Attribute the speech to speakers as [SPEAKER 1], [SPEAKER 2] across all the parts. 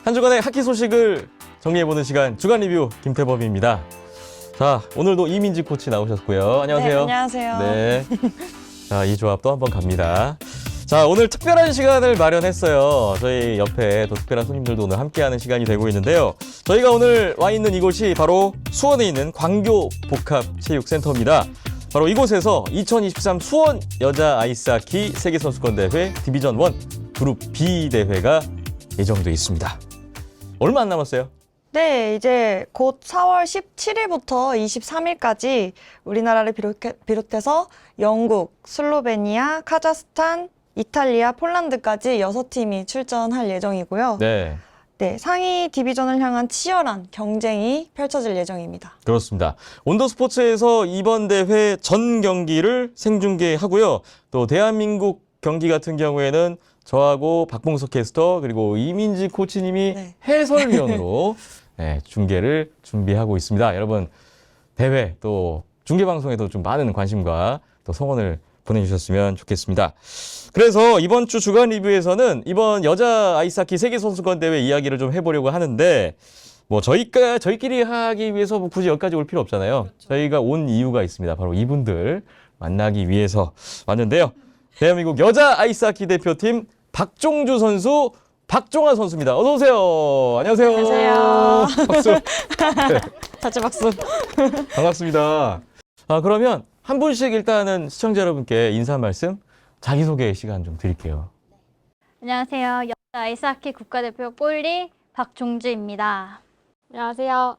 [SPEAKER 1] 한 주간의 하키 소식을 정리해보는 시간 주간 리뷰 김태범입니다. 자, 오늘도 이민지 코치 나오셨고요. 안녕하세요.
[SPEAKER 2] 네, 안녕하세요.
[SPEAKER 1] 네. 자, 이 조합 또 한번 갑니다. 자, 오늘 특별한 시간을 마련했어요. 저희 옆에 또 특별한 손님들도 오늘 함께하는 시간이 되고 있는데요. 저희가 오늘 와 있는 이곳이 바로 수원에 있는 광교 복합체육센터입니다. 바로 이곳에서 2023 수원 여자 아이스하키 세계선수권대회 디비전 1 그룹 B 대회가 예정돼 있습니다. 얼마 안 남았어요?
[SPEAKER 2] 네, 이제 곧 4월 17일부터 23일까지 우리나라를 비롯해서 영국, 슬로베니아, 카자흐스탄, 이탈리아, 폴란드까지 6팀이 출전할 예정이고요.
[SPEAKER 1] 네.
[SPEAKER 2] 네, 상위 디비전을 향한 치열한 경쟁이 펼쳐질 예정입니다.
[SPEAKER 1] 그렇습니다. 온더스포츠에서 이번 대회 전 경기를 생중계하고요. 또 대한민국 경기 같은 경우에는 저하고 박봉석 캐스터 그리고 이민지 코치님이
[SPEAKER 2] 네.
[SPEAKER 1] 해설위원으로 네, 중계를 준비하고 있습니다. 여러분 대회 또 중계방송에도 좀 많은 관심과 또 성원을 보내주셨으면 좋겠습니다. 그래서 이번 주 주간 리뷰에서는 이번 여자 아이스하키 세계선수권대회 이야기를 좀 해보려고 하는데 뭐 저희끼리 하기 위해서 뭐 굳이 여기까지 올 필요 없잖아요. 그렇죠. 저희가 온 이유가 있습니다. 바로 이분들 만나기 위해서 왔는데요. 대한민국 여자 아이스하키 대표팀 박종주 선수, 박종아 선수입니다. 어서 오세요. 안녕하세요.
[SPEAKER 2] 안녕하세요.
[SPEAKER 1] 박수. 네,
[SPEAKER 2] 같이 박수.
[SPEAKER 1] 반갑습니다. 그러면 한 분씩 일단은 시청자 여러분께 인사 말씀, 자기소개 시간 좀 드릴게요.
[SPEAKER 3] 안녕하세요. 여자 아이스하키 국가대표 골리 박종주입니다.
[SPEAKER 4] 안녕하세요.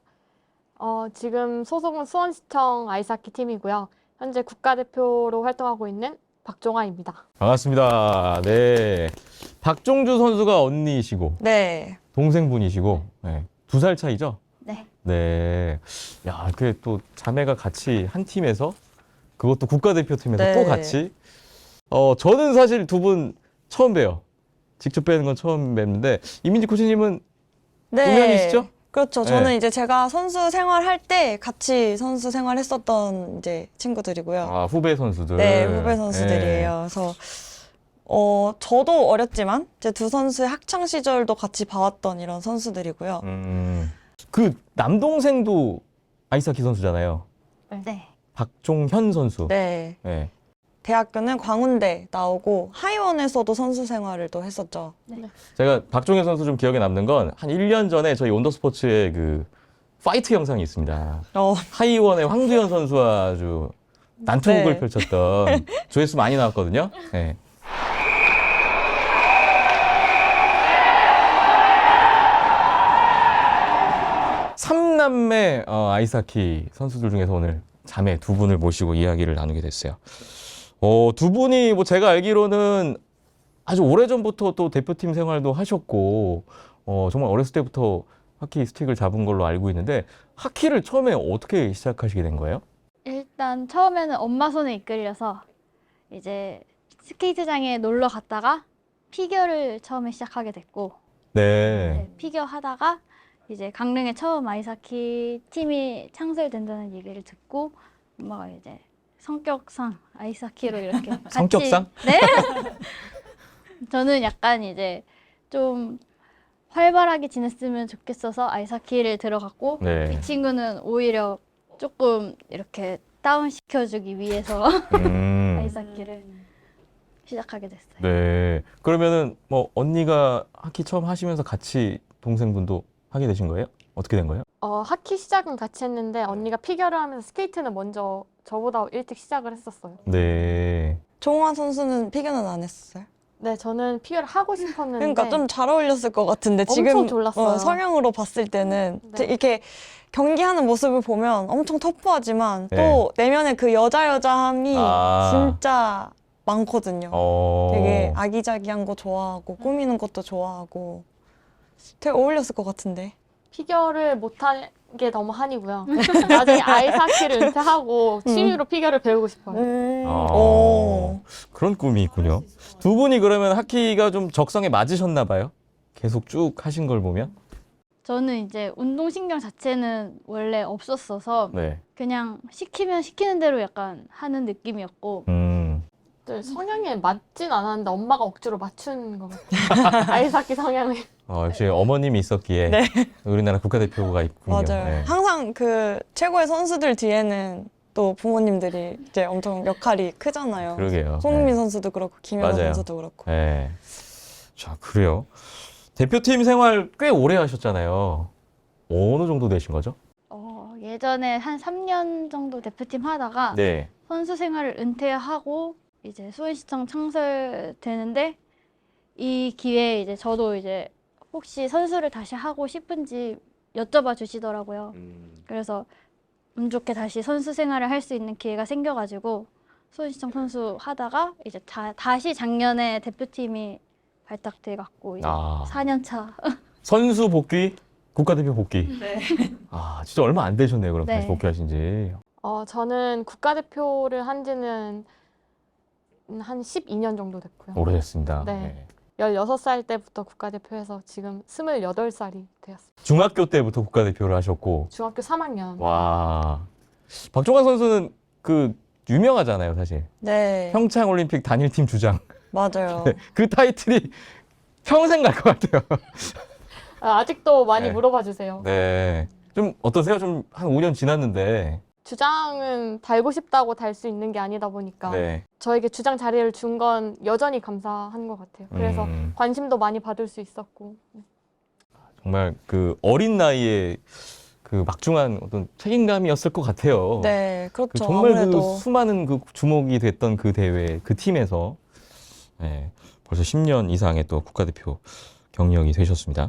[SPEAKER 4] 지금 소속은 수원시청 아이스하키 팀이고요. 현재 국가대표로 활동하고 있는 박종아입니다.
[SPEAKER 1] 반갑습니다. 네. 박종주 선수가 언니이시고,
[SPEAKER 2] 네.
[SPEAKER 1] 동생분이시고, 네. 2살 차이죠?
[SPEAKER 3] 네.
[SPEAKER 1] 네. 야, 이렇게 또 자매가 같이 한 팀에서, 그것도 국가대표팀에서
[SPEAKER 2] 네.
[SPEAKER 1] 또 같이. 저는 사실 두 분 처음 봬요. 직접 뵈는 건 처음 뵙는데, 이민지 코치님은
[SPEAKER 2] 네.
[SPEAKER 1] 동명이시죠?
[SPEAKER 2] 그렇죠. 저는
[SPEAKER 1] 네.
[SPEAKER 2] 이제 제가 선수 생활할 때 같이 선수 생활했었던 이제 친구들이고요.
[SPEAKER 1] 후배 선수들.
[SPEAKER 2] 네, 후배 선수들이에요. 그래서 저도 어렸지만 제 두 선수의 학창 시절도 같이 봐왔던 이런 선수들이고요.
[SPEAKER 1] 그 남동생도 아이스하키 선수잖아요.
[SPEAKER 3] 네.
[SPEAKER 1] 박종현 선수.
[SPEAKER 2] 네.
[SPEAKER 1] 네.
[SPEAKER 2] 대학교는 광운대 나오고 하이원에서도 선수 생활을 또 했었죠.
[SPEAKER 1] 제가 박종현 선수 좀 기억에 남는 건 한 1년 전에 저희 온더스포츠의 그 파이트 영상이 있습니다. 하이원의 황두현 선수와 아주 난투극을
[SPEAKER 2] 네.
[SPEAKER 1] 펼쳤던 조회수 많이 나왔거든요. 네. 삼남매 아이스하키 선수들 중에서 오늘 자매 두 분을 모시고 이야기를 나누게 됐어요. 두 분이 뭐 제가 알기로는 아주 오래전부터 또 대표팀 생활도 하셨고 정말 어렸을 때부터 하키 스틱을 잡은 걸로 알고 있는데 하키를 처음에 어떻게 시작하시게 된 거예요?
[SPEAKER 3] 일단 처음에는 엄마 손에 이끌려서 이제 스케이트장에 놀러 갔다가 피겨를 처음에 시작하게 됐고
[SPEAKER 1] 네.
[SPEAKER 3] 피겨 하다가 이제 강릉에 처음 아이스하키 팀이 창설된다는 얘기를 듣고 엄마가 이제 성격상 아이스하키로 이렇게 같이
[SPEAKER 1] 성격상?
[SPEAKER 3] 네. 저는 약간 이제 좀 활발하게 지냈으면 좋겠어서 아이스하키를 들어갔고
[SPEAKER 1] 네.
[SPEAKER 3] 이 친구는 오히려 조금 이렇게 다운 시켜주기 위해서 아이스하키를 시작하게 됐어요.
[SPEAKER 1] 네. 그러면은 뭐 언니가 하키 처음 하시면서 같이 동생분도 하게 되신 거예요? 어떻게 된 거예요?
[SPEAKER 4] 하키 시작은 같이 했는데 언니가 피겨를 하면서 스케이트는 먼저 저보다 일찍 시작을 했었어요.
[SPEAKER 1] 네.
[SPEAKER 2] 종화 선수는 피겨는 안 했었어요?
[SPEAKER 4] 네, 저는 피겨를 하고 싶었는데
[SPEAKER 2] 그러니까 좀 잘 어울렸을 것 같은데
[SPEAKER 4] 엄청
[SPEAKER 2] 지금
[SPEAKER 4] 졸랐어요.
[SPEAKER 2] 성향으로 봤을 때는
[SPEAKER 4] 네.
[SPEAKER 2] 이렇게 경기하는 모습을 보면 엄청 터프하지만
[SPEAKER 1] 네.
[SPEAKER 2] 또 내면에 그 여자함이
[SPEAKER 1] 아.
[SPEAKER 2] 진짜 많거든요. 되게 아기자기한 거 좋아하고 꾸미는 것도 좋아하고 되게 어울렸을 것 같은데.
[SPEAKER 4] 피겨를 못한 게 너무 한이고요. 나중에 아이스하키를 은퇴하고 취미로 피겨를 배우고 싶어요.
[SPEAKER 2] 오.
[SPEAKER 1] 그런 꿈이 있군요. 두 분이 그러면 하키가 좀 적성에 맞으셨나 봐요? 계속 쭉 하신 걸 보면?
[SPEAKER 3] 저는 이제 운동신경 자체는 원래 없었어서
[SPEAKER 1] 네.
[SPEAKER 3] 그냥 시키면 시키는 대로 약간 하는 느낌이었고
[SPEAKER 1] 음.
[SPEAKER 4] 또 성향에 맞진 않았는데 엄마가 억지로 맞춘 것 같아요. 아이스하키 성향을.
[SPEAKER 1] 역시 어머님이 있었기에
[SPEAKER 2] 네.
[SPEAKER 1] 우리나라 국가대표가 있군요.
[SPEAKER 2] 맞아요.
[SPEAKER 1] 네.
[SPEAKER 2] 항상 그 최고의 선수들 뒤에는 또 부모님들이 이제 엄청 역할이 크잖아요.
[SPEAKER 1] 그러게요.
[SPEAKER 2] 손흥민
[SPEAKER 1] 네.
[SPEAKER 2] 선수도 그렇고 김연아
[SPEAKER 1] 맞아요.
[SPEAKER 2] 선수도 그렇고.
[SPEAKER 1] 네. 자, 그래요. 대표팀 생활 꽤 오래 하셨잖아요. 어느 정도 되신 거죠?
[SPEAKER 3] 예전에 한 3년 정도 대표팀 하다가
[SPEAKER 1] 네.
[SPEAKER 3] 선수 생활을 은퇴하고 이제 수원시청 창설되는데 이 기회에 이제 저도 이제 혹시 선수를 다시 하고 싶은지 여쭤봐 주시더라고요. 그래서 운 좋게 다시 선수 생활을 할 수 있는 기회가 생겨가지고 수원시청 선수 하다가 이제 다시 작년에 대표팀이 발탁돼 갖고 이제 4년 차.
[SPEAKER 1] 선수 복귀, 국가대표 복귀.
[SPEAKER 2] 네.
[SPEAKER 1] 진짜 얼마 안 되셨네요. 그럼
[SPEAKER 3] 네.
[SPEAKER 1] 다시 복귀하신 지.
[SPEAKER 4] 저는 국가대표를 한 지는 한 12년 정도 됐고요.
[SPEAKER 1] 오래됐습니다.
[SPEAKER 4] 네. 16살 때부터 국가대표해서 지금 28살이 되었어요.
[SPEAKER 1] 중학교 때부터 국가대표를 하셨고.
[SPEAKER 4] 중학교 3학년.
[SPEAKER 1] 와. 박종환 선수는 그 유명하잖아요, 사실.
[SPEAKER 2] 네.
[SPEAKER 1] 평창 올림픽 단일팀 주장.
[SPEAKER 2] 맞아요.
[SPEAKER 1] 그 타이틀이 평생 갈 것 같아요.
[SPEAKER 4] 아직도 많이
[SPEAKER 1] 네.
[SPEAKER 4] 물어봐 주세요.
[SPEAKER 1] 네. 좀 어떠세요? 좀 한 5년 지났는데.
[SPEAKER 4] 주장은 달고 싶다고 달 수 있는 게 아니다 보니까
[SPEAKER 1] 네.
[SPEAKER 4] 저에게 주장 자리를 준 건 여전히 감사한 것 같아요. 그래서 관심도 많이 받을 수 있었고.
[SPEAKER 1] 정말 그 어린 나이에 그 막중한 어떤 책임감이었을 것 같아요.
[SPEAKER 2] 네, 그렇죠.
[SPEAKER 1] 그 정말
[SPEAKER 2] 아무래도
[SPEAKER 1] 그 수많은 그 주목이 됐던 그 대회, 그 팀에서 네, 벌써 10년 이상의 또 국가대표 경력이 되셨습니다.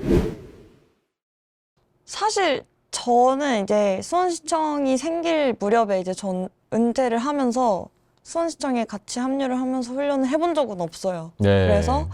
[SPEAKER 2] 사실 저는 이제 수원시청이 생길 무렵에 이제 전 은퇴를 하면서 수원시청에 같이 합류를 하면서 훈련을 해본 적은 없어요.
[SPEAKER 1] 네.
[SPEAKER 2] 그래서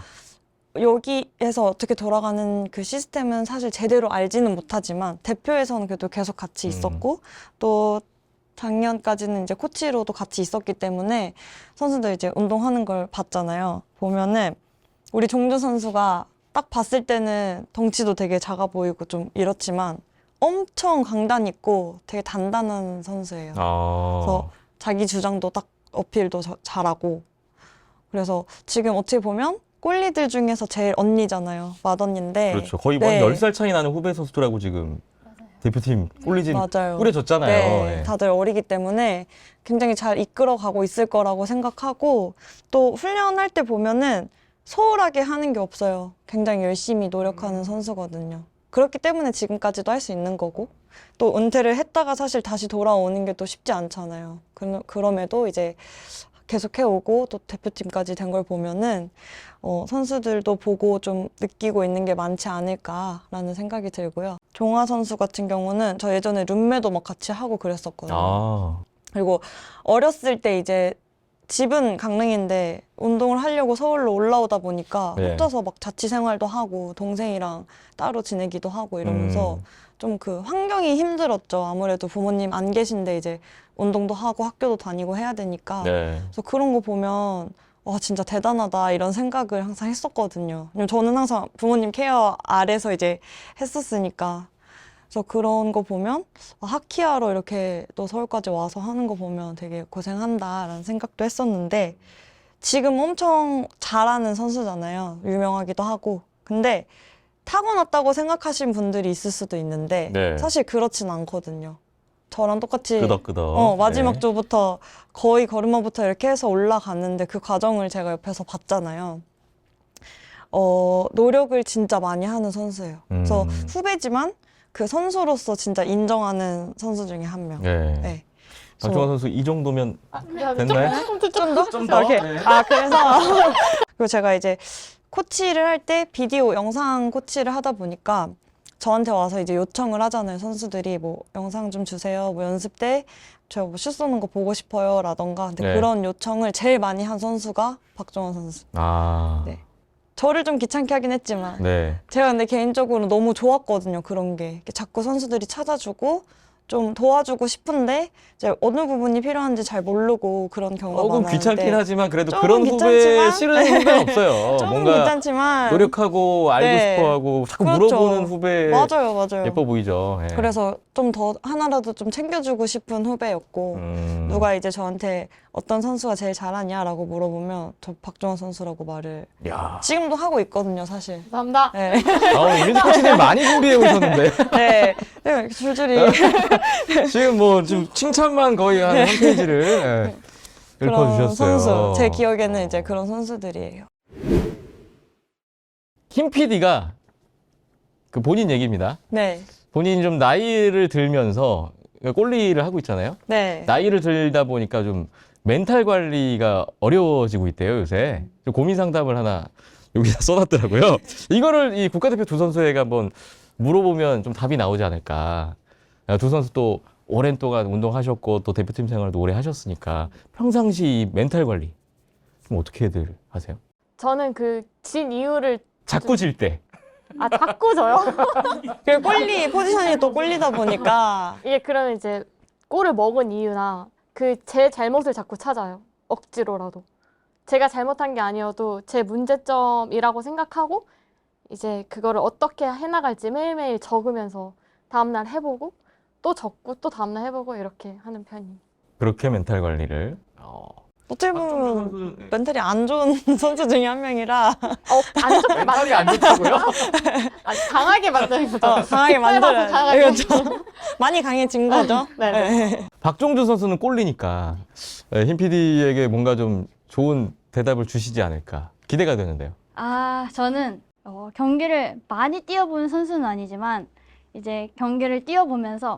[SPEAKER 2] 여기에서 어떻게 돌아가는 그 시스템은 사실 제대로 알지는 못하지만 대표에서는 그래도 계속 같이 있었고 또 작년까지는 이제 코치로도 같이 있었기 때문에 선수들 이제 운동하는 걸 봤잖아요. 보면은 우리 종주 선수가 딱 봤을 때는 덩치도 되게 작아 보이고 좀 이렇지만 엄청 강단 있고 되게 단단한 선수예요. 그래서 자기 주장도 딱 어필도 잘하고 그래서 지금 어떻게 보면 꼴리들 중에서 제일 언니잖아요. 맏언니인데.
[SPEAKER 1] 그렇죠. 거의
[SPEAKER 2] 네.
[SPEAKER 1] 한 10살 차이 나는 후배 선수들하고 지금 대표팀 꼴리진
[SPEAKER 2] 맞아요.
[SPEAKER 1] 꾸려졌잖아요.
[SPEAKER 2] 네,
[SPEAKER 1] 네.
[SPEAKER 2] 다들 어리기 때문에 굉장히 잘 이끌어가고 있을 거라고 생각하고 또 훈련할 때 보면은 소홀하게 하는 게 없어요. 굉장히 열심히 노력하는 선수거든요. 그렇기 때문에 지금까지도 할 수 있는 거고 또 은퇴를 했다가 사실 다시 돌아오는 게 또 쉽지 않잖아요. 그럼에도 이제 계속 해오고 또 대표팀까지 된 걸 보면은 선수들도 보고 좀 느끼고 있는 게 많지 않을까라는 생각이 들고요. 종화 선수 같은 경우는 저 예전에 룸메도 막 같이 하고 그랬었거든요. 그리고 어렸을 때 이제 집은 강릉인데 운동을 하려고 서울로 올라오다 보니까
[SPEAKER 1] 네.
[SPEAKER 2] 혼자서 막 자취 생활도 하고 동생이랑 따로 지내기도 하고 이러면서 좀 그 환경이 힘들었죠. 아무래도 부모님 안 계신데 이제 운동도 하고 학교도 다니고 해야 되니까.
[SPEAKER 1] 네.
[SPEAKER 2] 그래서 그런 거 보면 와 진짜 대단하다 이런 생각을 항상 했었거든요. 왜냐면 저는 항상 부모님 케어 아래서 이제 했었으니까. 그래서 그런 거 보면 하키하러 이렇게 또 서울까지 와서 하는 거 보면 되게 고생한다라는 생각도 했었는데 지금 엄청 잘하는 선수잖아요. 유명하기도 하고. 근데 타고났다고 생각하신 분들이 있을 수도 있는데
[SPEAKER 1] 네.
[SPEAKER 2] 사실 그렇진 않거든요. 저랑 똑같이
[SPEAKER 1] 끄덕끄덕.
[SPEAKER 2] 마지막
[SPEAKER 1] 네.
[SPEAKER 2] 주부터 거의 걸음마부터 이렇게 해서 올라갔는데 그 과정을 제가 옆에서 봤잖아요. 노력을 진짜 많이 하는 선수예요. 그래서 후배지만 그 선수로서 진짜 인정하는 선수 중에 한 명.
[SPEAKER 1] 네.
[SPEAKER 2] 네.
[SPEAKER 1] 박종환 선수 이 정도면
[SPEAKER 4] 좀
[SPEAKER 1] 됐나요?
[SPEAKER 2] 좀 더?
[SPEAKER 1] 좀 더?
[SPEAKER 2] 이렇게.
[SPEAKER 1] 네.
[SPEAKER 2] 그래서 그리고 제가 이제 코치를 할 때 비디오 영상 코치를 하다 보니까 저한테 와서 이제 요청을 하잖아요. 선수들이 뭐 영상 좀 주세요. 뭐 연습 때 제가 뭐 슛 쏘는 거 보고 싶어요. 라던가. 근데
[SPEAKER 1] 네.
[SPEAKER 2] 그런 요청을 제일 많이 한 선수가 박종원 선수. 네. 저를 좀 귀찮게 하긴 했지만
[SPEAKER 1] 네.
[SPEAKER 2] 제가 근데 개인적으로 너무 좋았거든요. 그런 게. 이렇게 자꾸 선수들이 찾아주고 좀 도와주고 싶은데 이제 어느 부분이 필요한지 잘 모르고 그런 경우가
[SPEAKER 1] 조금
[SPEAKER 2] 많아요.
[SPEAKER 1] 귀찮긴
[SPEAKER 2] 네.
[SPEAKER 1] 하지만 그래도
[SPEAKER 2] 조금
[SPEAKER 1] 그런 후배
[SPEAKER 2] 귀찮지만,
[SPEAKER 1] 싫은 후배는 없어요.
[SPEAKER 2] 조금
[SPEAKER 1] 뭔가
[SPEAKER 2] 귀찮지만
[SPEAKER 1] 노력하고 알고
[SPEAKER 2] 네.
[SPEAKER 1] 싶어하고 자꾸
[SPEAKER 2] 그렇죠.
[SPEAKER 1] 물어보는 후배
[SPEAKER 2] 맞아요, 맞아요.
[SPEAKER 1] 예뻐 보이죠. 예.
[SPEAKER 2] 그래서 좀 더 하나라도 좀 챙겨주고 싶은 후배였고 누가 이제 저한테 어떤 선수가 제일 잘하냐라고 물어보면 저 박종원 선수라고 말을
[SPEAKER 1] 야.
[SPEAKER 2] 지금도 하고 있거든요, 사실.
[SPEAKER 4] 감사합니다.
[SPEAKER 2] 네,
[SPEAKER 1] 이민수 코치님 많이 준비해 오셨는데
[SPEAKER 2] 네, 네 줄줄이
[SPEAKER 1] 지금 뭐 지금 칭찬만 거의 한 페이지를 예,
[SPEAKER 2] 그런
[SPEAKER 1] 읊어주셨어요.
[SPEAKER 2] 선수. 제 기억에는 이제 그런 선수들이에요.
[SPEAKER 1] 김 PD가 그 본인 얘기입니다.
[SPEAKER 2] 네,
[SPEAKER 1] 본인이 좀 나이를 들면서 꼴리를 하고 있잖아요.
[SPEAKER 2] 네.
[SPEAKER 1] 나이를 들다 보니까 좀 멘탈 관리가 어려워지고 있대요, 요새. 좀 고민 상담을 하나 여기다 써놨더라고요. 이거를 이 국가대표 두 선수에게 한번 물어보면 좀 답이 나오지 않을까. 두 선수 또 오랜 동안 운동하셨고 또 대표팀 생활도 오래 하셨으니까 평상시 이 멘탈 관리 좀 어떻게들 하세요?
[SPEAKER 4] 저는 그 진 이유를
[SPEAKER 1] 자꾸 질 때.
[SPEAKER 4] 자꾸 져요.
[SPEAKER 2] 그 꼴리 포지션이 또 꼴리다 보니까
[SPEAKER 4] 이게 그러면 이제 골을 먹은 이유나 그 제 잘못을 자꾸 찾아요. 억지로라도. 제가 잘못한 게 아니어도 제 문제점이라고 생각하고 이제 그거를 어떻게 해나갈지 매일매일 적으면서 다음날 해보고 또 적고 또 다음날 해보고 이렇게 하는 편이에요.
[SPEAKER 1] 그렇게 멘탈 관리를.
[SPEAKER 2] 어떻게 보면 멘탈이 안 좋은 선수 중에 한 명이라
[SPEAKER 4] 안 좋게
[SPEAKER 1] 멘탈이 안 좋다고요?
[SPEAKER 4] 강하게 만드는 거죠.
[SPEAKER 2] 강하게 만들어야
[SPEAKER 4] 강하게.
[SPEAKER 2] 그렇죠. 많이 강해진 거죠.
[SPEAKER 4] 네.
[SPEAKER 1] 박종주 선수는 꼴리니까 힘 PD에게 뭔가 좀 좋은 대답을 주시지 않을까 기대가 되는데요.
[SPEAKER 3] 저는 경기를 많이 뛰어보는 선수는 아니지만 이제 경기를 뛰어보면서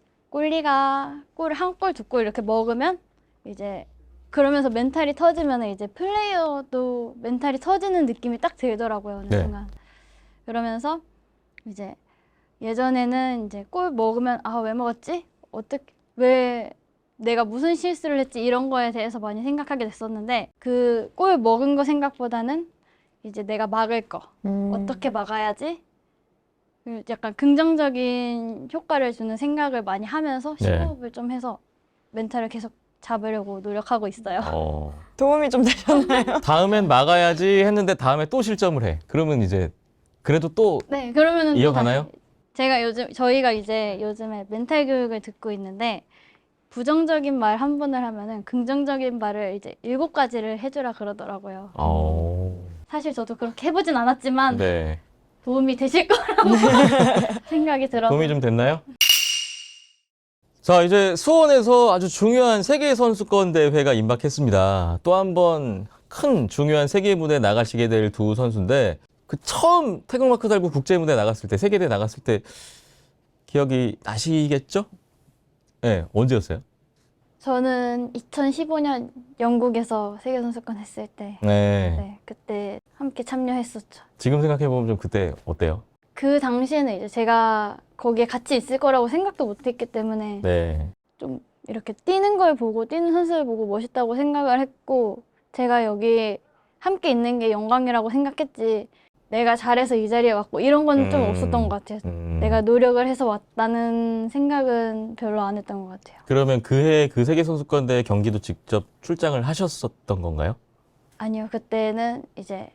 [SPEAKER 3] 꼴리가 골을 한 골, 두 골 이렇게 먹으면 이제 그러면서 멘탈이 터지면 이제 플레이어도 멘탈이 터지는 느낌이 딱 들더라고요, 어느
[SPEAKER 1] 네.
[SPEAKER 3] 순간. 그러면서 이제 예전에는 이제 골 먹으면 왜 먹었지? 왜 내가 무슨 실수를 했지? 이런 거에 대해서 많이 생각하게 됐었는데 그 골 먹은 거 생각보다는 이제 내가 막을 거 어떻게 막아야지? 약간 긍정적인 효과를 주는 생각을 많이 하면서
[SPEAKER 1] 네.
[SPEAKER 3] 심호흡을 좀 해서 멘탈을 계속 잡으려고 노력하고 있어요.
[SPEAKER 2] 도움이 좀 되셨나요?
[SPEAKER 1] 다음엔 막아야지 했는데 다음에 또 실점을 해. 그러면 이제 그래도 또
[SPEAKER 3] 네, 그러면은 또
[SPEAKER 1] 이어가나요?
[SPEAKER 3] 다시 저희가 이제 요즘에 멘탈 교육을 듣고 있는데 부정적인 말 한 번을 하면은 긍정적인 말을 이제 7가지를 해주라 그러더라고요. 사실 저도 그렇게 해보진 않았지만
[SPEAKER 1] 네.
[SPEAKER 3] 도움이 되실 거라고 생각이 들어서
[SPEAKER 1] 도움이 좀 됐나요? 자, 이제 수원에서 아주 중요한 세계 선수권 대회가 임박했습니다. 또 한 번 큰 중요한 세계 무대에 나가시게 될 두 선수인데 그 처음 태극마크 달고 국제 무대에 나갔을 때 세계대회 나갔을 때 기억이 나시겠죠? 네, 언제였어요?
[SPEAKER 3] 저는 2015년 영국에서 세계 선수권 했을 때
[SPEAKER 1] 네.
[SPEAKER 3] 그때 함께 참여했었죠.
[SPEAKER 1] 지금 생각해 보면 좀 그때 어때요?
[SPEAKER 3] 그 당시에는 이제 제가 거기에 같이 있을 거라고 생각도 못했기 때문에
[SPEAKER 1] 네.
[SPEAKER 3] 좀 이렇게 뛰는 걸 보고 뛰는 선수를 보고 멋있다고 생각을 했고 제가 여기 함께 있는 게 영광이라고 생각했지 내가 잘해서 이 자리에 왔고 이런 건 좀 없었던 것 같아요. 내가 노력을 해서 왔다는 생각은 별로 안 했던 것 같아요.
[SPEAKER 1] 그러면 그해 그 세계 선수권 대회 경기도 직접 출장을 하셨었던 건가요?
[SPEAKER 3] 아니요, 그때는 이제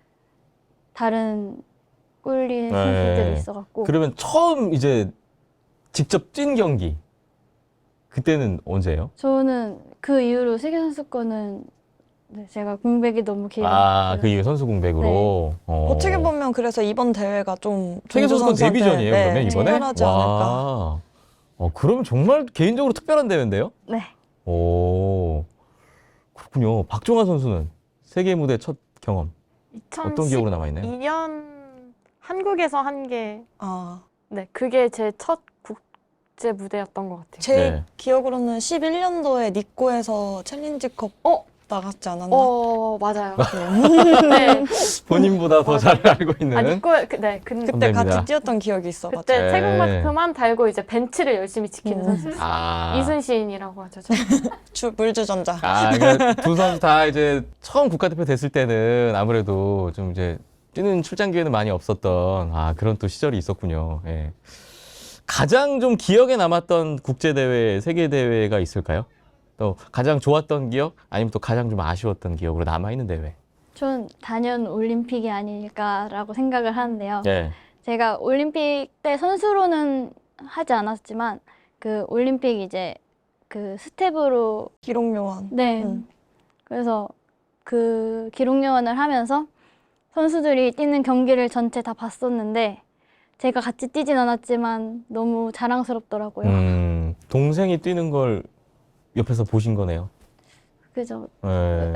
[SPEAKER 3] 다른 꿀리 선수들이 있어갖고
[SPEAKER 1] 그러면 처음 이제 직접 뛴 경기 그때는 언제예요?
[SPEAKER 3] 저는 그 이후로 세계 선수권은 제가 공백이 너무 길어요.
[SPEAKER 1] 그 이후에 선수 공백으로.
[SPEAKER 2] 어떻게 보면 그래서 이번 대회가 좀
[SPEAKER 1] 세계 선수권
[SPEAKER 2] 선수한테,
[SPEAKER 1] 데뷔전이에요, 그러면 이번에?
[SPEAKER 2] 특별하지 않을까.
[SPEAKER 1] 그러면 정말 개인적으로 특별한 대회인데요?
[SPEAKER 3] 네.
[SPEAKER 1] 오, 그렇군요. 박종환 선수는 세계 무대 첫 경험 어떤 기억으로 남아있나요?
[SPEAKER 4] 2012년 한국에서 한 게
[SPEAKER 2] 아,
[SPEAKER 4] 그게 제 첫 국제 무대였던 것 같아요.
[SPEAKER 2] 제
[SPEAKER 1] 네.
[SPEAKER 2] 기억으로는 11년도에 니꼬에서 챌린지컵 나갔지 않았나?
[SPEAKER 4] 맞아요.
[SPEAKER 2] 네.
[SPEAKER 1] 본인보다 더 잘 알고 있는.
[SPEAKER 2] 그때
[SPEAKER 1] 선배입니다.
[SPEAKER 2] 같이 뛰었던 기억이 있어가지고.
[SPEAKER 4] 그때
[SPEAKER 1] 네.
[SPEAKER 4] 태극마크만 달고 이제 벤치를 열심히 지키는 선수. 이순신이라고 하죠.
[SPEAKER 2] 물주전자.
[SPEAKER 1] 그러니까 두 선수 다 이제 처음 국가대표 됐을 때는 아무래도 좀 이제 뛰는 출장 기회는 많이 없었던 그런 또 시절이 있었군요. 예. 가장 좀 기억에 남았던 국제대회, 세계대회가 있을까요? 또 가장 좋았던 기억? 아니면 또 가장 좀 아쉬웠던 기억으로 남아있는 대회?
[SPEAKER 3] 전 단연 올림픽이 아닐까라고 생각을 하는데요.
[SPEAKER 1] 네.
[SPEAKER 3] 제가 올림픽 때 선수로는 하지 않았지만 그 올림픽 이제 그 스텝으로
[SPEAKER 2] 기록 요원.
[SPEAKER 3] 네. 그래서 그 기록 요원을 하면서 선수들이 뛰는 경기를 전체 다 봤었는데 제가 같이 뛰진 않았지만 너무 자랑스럽더라고요.
[SPEAKER 1] 동생이 뛰는 걸 옆에서 보신 거네요.
[SPEAKER 3] 그죠?
[SPEAKER 1] 네.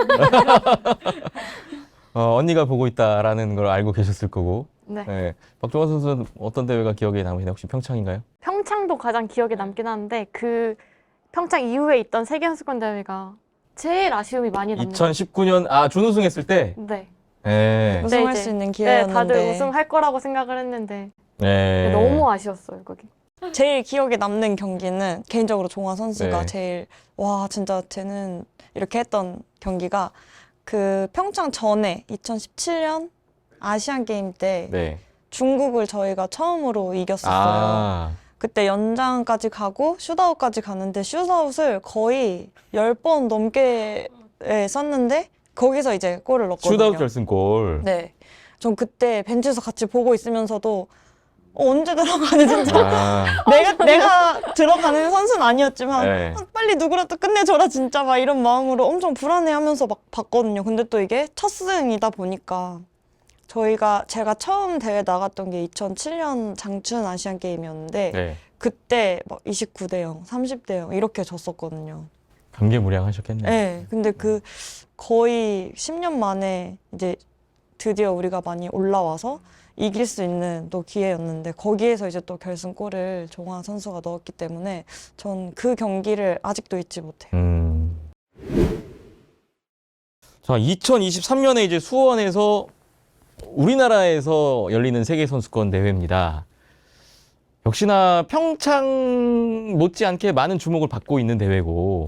[SPEAKER 1] 언니가 보고 있다라는 걸 알고 계셨을 거고.
[SPEAKER 4] 네.
[SPEAKER 1] 네. 박종원 선수는 어떤 대회가 기억에 남으시나요? 혹시 평창인가요?
[SPEAKER 4] 평창도 가장 기억에 남긴 하는데 그 평창 이후에 있던 세계선수권 대회가 제일 아쉬움이 많이 남네요.
[SPEAKER 1] 2019년 준우승했을 때.
[SPEAKER 4] 네.
[SPEAKER 1] 네.
[SPEAKER 2] 우승할
[SPEAKER 4] 이제-
[SPEAKER 2] 수 있는
[SPEAKER 4] 네,
[SPEAKER 2] 기회였는데
[SPEAKER 4] 다들 우승할 거라고 생각을 했는데
[SPEAKER 1] 네.
[SPEAKER 4] 너무 아쉬웠어요, 거기.
[SPEAKER 2] 제일 기억에 남는 경기는 개인적으로 종화 선수가
[SPEAKER 1] 네.
[SPEAKER 2] 제일 와 진짜 쟤는 이렇게 했던 경기가 그 평창 전에 2017년 아시안 게임 때
[SPEAKER 1] 네.
[SPEAKER 2] 중국을 저희가 처음으로 이겼었어요.
[SPEAKER 1] 아.
[SPEAKER 2] 그때 연장까지 가고 슛아웃까지 가는데 슛아웃을 거의 10번 넘게 썼는데 거기서 이제 골을 넣었거든요.
[SPEAKER 1] 슛아웃 결승골.
[SPEAKER 2] 네. 전 그때 벤치에서 같이 보고 있으면서도 언제 들어가는 진짜
[SPEAKER 1] 아.
[SPEAKER 2] 내가 들어가는 선수는 아니었지만
[SPEAKER 1] 네.
[SPEAKER 2] 빨리 누구라도 끝내줘라 진짜 막 이런 마음으로 엄청 불안해하면서 막 봤거든요. 근데 또 이게 첫 승이다 보니까 제가 처음 대회 나갔던 게 2007년 장춘 아시안 게임이었는데
[SPEAKER 1] 네.
[SPEAKER 2] 그때 막 29대 0, 30대 0 이렇게 졌었거든요.
[SPEAKER 1] 감개무량하셨겠네요.
[SPEAKER 2] 네. 근데 그 거의 10년 만에 이제 드디어 우리가 많이 올라와서 이길 수 있는 또 기회였는데 거기에서 이제 또 결승골을 종화 선수가 넣었기 때문에 전 그 경기를 아직도 잊지 못해요.
[SPEAKER 1] 자, 2023년에 이제 수원에서 우리나라에서 열리는 세계선수권 대회입니다. 역시나 평창 못지않게 많은 주목을 받고 있는 대회고,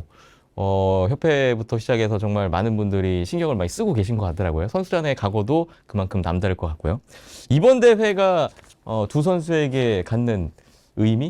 [SPEAKER 1] 협회부터 시작해서 정말 많은 분들이 신경을 많이 쓰고 계신 것 같더라고요. 선수단의 각오도 그만큼 남다를 것 같고요. 이번 대회가 두 선수에게 갖는 의미?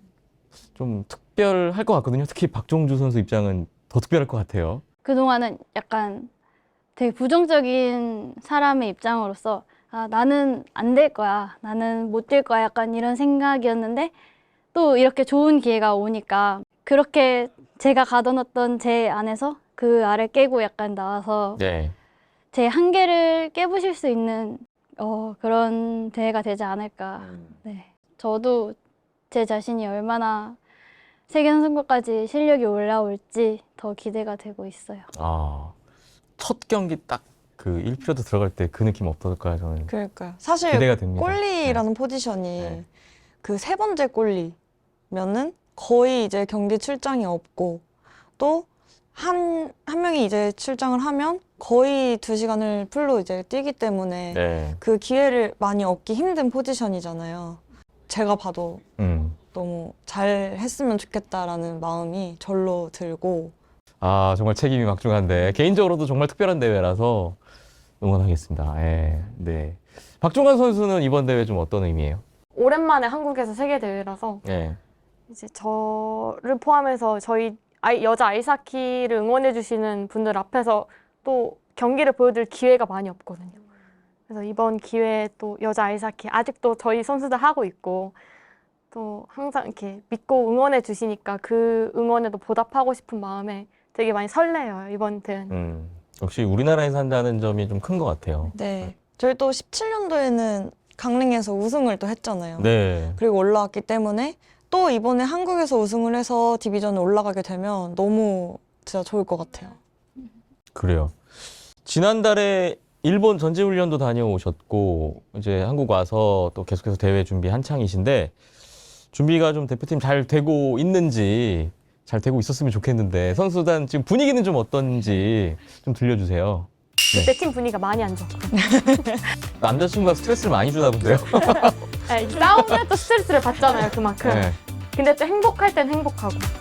[SPEAKER 1] 좀 특별할 것 같거든요. 특히 박종주 선수 입장은 더 특별할 것 같아요.
[SPEAKER 3] 그동안은 약간 되게 부정적인 사람의 입장으로서 나는 안 될 거야. 나는 못 될 거야. 약간 이런 생각이었는데 또 이렇게 좋은 기회가 오니까 그렇게 제가 가둬놨던 제 안에서 그 알을 깨고 약간 나와서
[SPEAKER 1] 네.
[SPEAKER 3] 제 한계를 깨부실 수 있는 그런 대회가 되지 않을까. 네. 저도 제 자신이 얼마나 세계선수권까지 실력이 올라올지 더 기대가 되고 있어요.
[SPEAKER 1] 첫 경기 딱 그 1피로드 들어갈 때 그 느낌 어떨까요? 저는
[SPEAKER 2] 그러니까요. 사실
[SPEAKER 1] 기대가 됩니다.
[SPEAKER 2] 골리라는 포지션이
[SPEAKER 1] 네.
[SPEAKER 2] 그 세 번째 골리면은 거의 이제 경기 출장이 없고 또 한 명이 이제 출장을 하면 거의 2시간을 풀로 이제 뛰기 때문에
[SPEAKER 1] 네.
[SPEAKER 2] 그 기회를 많이 얻기 힘든 포지션이잖아요. 제가 봐도 너무 잘 했으면 좋겠다라는 마음이 절로 들고
[SPEAKER 1] 정말 책임이 막중한데 개인적으로도 정말 특별한 대회라서 응원하겠습니다. 네. 박종환 선수는 이번 대회 좀 어떤 의미예요?
[SPEAKER 4] 오랜만에 한국에서 세계 대회라서
[SPEAKER 1] 네.
[SPEAKER 4] 이제 저를 포함해서 저희 여자 아이스하키를 응원해 주시는 분들 앞에서 또 경기를 보여드릴 기회가 많이 없거든요. 그래서 이번 기회에 또 여자 아이스하키 아직도 저희 선수들 하고 있고 또 항상 이렇게 믿고 응원해 주시니까 그 응원에도 보답하고 싶은 마음에 되게 많이 설레요, 이번 대회는.
[SPEAKER 1] 역시 우리나라에서 한다는 점이 좀 큰 것 같아요.
[SPEAKER 2] 네. 저희 또 17년도에는 강릉에서 우승을 또 했잖아요.
[SPEAKER 1] 네.
[SPEAKER 2] 그리고 올라왔기 때문에 또 이번에 한국에서 우승을 해서 디비전에 올라가게 되면 너무 진짜 좋을 것 같아요.
[SPEAKER 1] 그래요. 지난달에 일본 전지훈련도 다녀오셨고 이제 한국 와서 또 계속해서 대회 준비 한창이신데 준비가 좀 대표팀 잘 되고 있는지 잘 되고 있었으면 좋겠는데 선수단 지금 분위기는 좀 어떤지 좀 들려주세요.
[SPEAKER 4] 그때 팀 분위기가 많이 안 좋고
[SPEAKER 1] 남자친구가 스트레스를 많이 주나 본데요.
[SPEAKER 4] 싸우면 또 스트레스를 받잖아요, 그만큼.
[SPEAKER 1] 네.
[SPEAKER 4] 근데 또 행복할 땐 행복하고